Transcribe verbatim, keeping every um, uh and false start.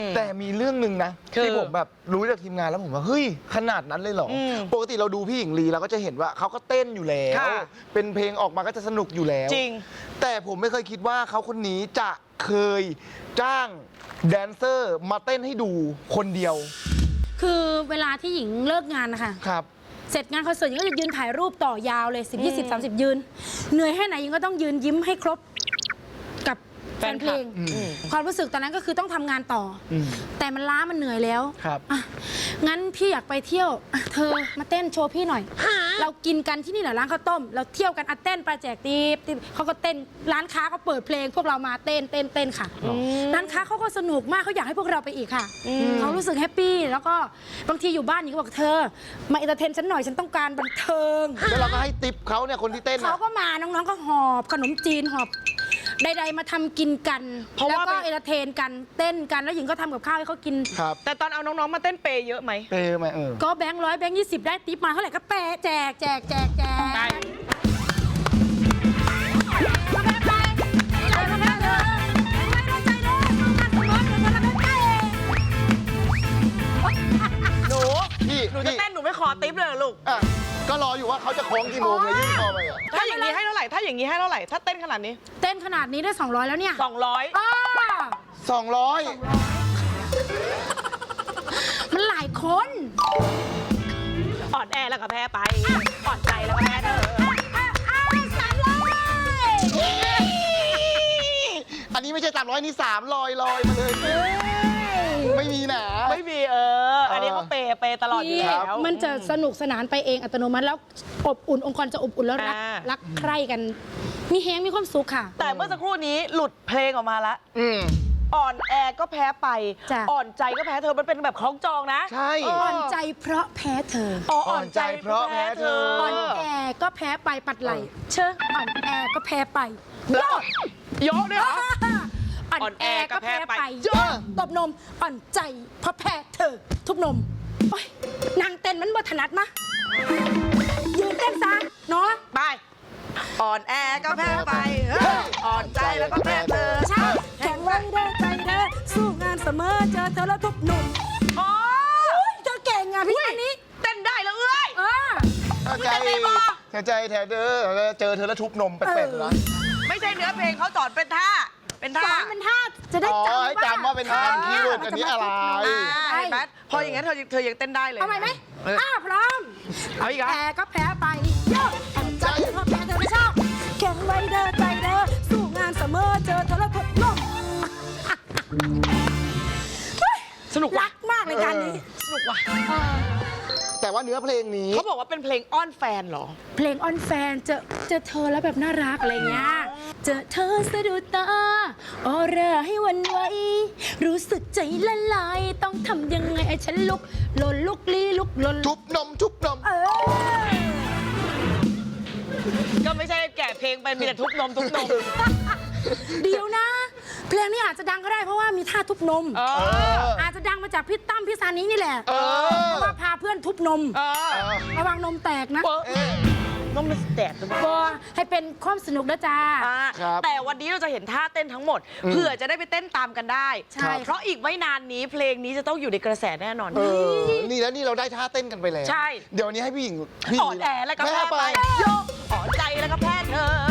แต่มีเรื่องหนึ่งนะที่ผมแบบรู้จากทีมงานแล้วผมว่าเฮ้ยขนาดนั้นเลยเหรอปกติเราดูพี่หญิงลีเราก็จะเห็นว่าเขาก็เต้นอยู่แล้วเป็นเพลงออกมาก็จะสนุกอยู่แล้วจริงแต่ผมไม่เคยคิดว่าเขาคนนี้จะเคยจ้างแดนเซอร์มาเต้นให้ดูคนเดียวคือเวลาที่หญิงเลิกงานนะคะครับเสร็จงานคอนเสิร์ตหญิงก็จะยืนถ่ายรูปต่อยาวเลยสิบยี่สิบสามสิบยืนเหนื่อยแค่ไหนหญิงก็ต้องยืนยิ้มให้ครบกับแฟนเพลงความรู้สึกตอนนั้นก็คือต้องทำงานต่อแต่มันล้ามันเหนื่อยแล้วครับงั้นพี่อยากไปเที่ยวเธอมาเต้นโชว์พี่หน่อยเรากินกันที่นี่แหละร้านข้าวต้มเราเที่ยวกันอ่ะเต้นปลาแจกตีบเขาก็เต้นร้านค้าก็เปิดเพลงพวกเรามาเต้นเต้นเต้นค่ะร้านค้าเขาก็สนุกมากเขาอยากให้พวกเราไปอีกค่ะเขารู้สึกแฮปปี้แล้วก็บางทีอยู่บ้านนี่ก็บอกเธอมาเอนเตอร์เทนฉันหน่อยฉันต้องการบันเทิงแล้วเราก็ให้ติปเขาเนี่ยคนที่เต้นเขาก็มาน้องๆก็หอบขนมจีนหอบใดๆมาทำกินกันแล้วก็เอนเตอร์เทนกันเต้นกันแล้วหญิงก็ทำกับข้าวให้เขากินแต่ตอนเอาน้องๆมาเต้นเปย์เยอะไหมเปย์ไหมเออก็แบงค์ร้อยแบงค์ยี่สิบได้ติ๊บมาเท่าไหร่ก็เปย์แจกแจกแจกแจกหนูหนูจะเต้นหนูไม่ขอติ๊บเลยลูกก็รออยู่ว่าเขาจะโค้งกี่โมงเลยยื่นคอไปถ้าอย่างนี้ให้เท่าไหร่ถ้าอย่างนี้ให้เท่าไหร่ถ้าเต้นขนาดนี้เต้นขนาดนี้ได้สองร้อยแล้วเนี่ยสองร้อยสองร้อยมันหลายคนอ่อนแอแล้วก็แพ้ไปอ่อนใจแล้วก็แพ้เธอสามร้อยอันนี้ไม่ใช่สามร้อยนี่สามลอยลอยมาเลยไม่มีหนาไม่มีเอออันนี้เขาเปย์เปย์ตลอดอยู่แล้วมันจะสนุกสนานไปเองอัตโนมัติแล้วอบอุ่นองค์กรจะอบอุ่นแล้วรักรักใคร่กันมีแฮงมีความสุขค่ะแต่เมื่อสักครู่นี้หลุดเพลงออกมาละอ่อนแอก็แพ้ไปอ่อนใจก็แพ้เธอมันเป็นแบบคล้องจองนะใช่อ่อนใจเพราะแพ้เธออ่อนใจเพราะแพ้เธออ่อนแอก็แพ้ไปปัดไหลเชื่ออ่อนแอก็แพ้ไปโยกโยกด้วยเหรออ่อนแอก็แพ้ไปโยกตบนมอ่อนใจเพราะแพ้เธอทุบนมนางเต้นมันบ่ถนัดมะยืนเต้นซะเนาะไปอ่อนแอก็แพ้ไปอ่อนใจแล้วก็แพ้เธอแข็งไว้เด้อใจเด้อสู้งานเสมอเจอเธอแล้วทุบนมโอ้ยเธอเก่งอ่ะพี่อันนี้เต้นได้แล้วเอ้ยเออใจใจแถวเด้อเจอเธอแล้วทุบนมเป็ดๆนะไม่ใช่เนื้อเพลงเขาสอนเป็นท่าเป็นท่าเป็นท่าจะได้จำว่าจำว่าเป็นท่าคีย์เวิร์ดอันนี้อะไรแบทพออย่างนั้นเธอเธอยังเต้นได้เลยเอาไหมไหมอ้าพร้อมเอาอีกแพ้ก็แพ้ไปโยกใจเพราะแพ้เธอไม่ชอบแข็งไว้เด้อใจเด้อสู้งานเสมอเจอเธอแล้วทุบนมสนุกรักมากในการนี้สนุกว่ะแต่ว่าเนื้อเพลงนี้เขาบอกว่าเป็นเพลงอ้อนแฟนเหรอเพลงอ้อนแฟนเจอเจอเธอแล้วแบบน่ารักอะไรเงี้ยเจอเธอสะดุดตาออร่าให้วันไหวรู้สึกใจละลายต้องทำยังไงไอ้ฉันลุกหล่นลุกลี้ลุกหล่นทุบนมทุบนมเออก็ไม่ใช่แก่เพลงไปมีแต่ทุบนมทุบนมเดี๋ยวนะเพลงนี้อาจจะดังก็ได้เพราะว่ามีท่าทุบนมอาจจะดังมาจากพี่ตั้มพี่ซานี้นี่แหละเพราะว่าพาเพื่อนทุบนมระวังนมแตกนะนมมันแตกก็ให้เป็นความสนุกนะจ๊ะแต่วันนี้เราจะเห็นท่าเต้นทั้งหมดเผื่อจะได้ไปเต้นตามกันได้เพราะอีกไม่นานนี้เพลงนี้จะต้องอยู่ในกระแสแน่นอนนี่แล้วนี่เราได้ท่าเต้นกันไปแล้วใช่เดี๋ยวนี้ให้พี่หญิงอ่อนแอแล้วก็แพ้ไปโยกอ่อนใจแล้วก็แพ้เธอ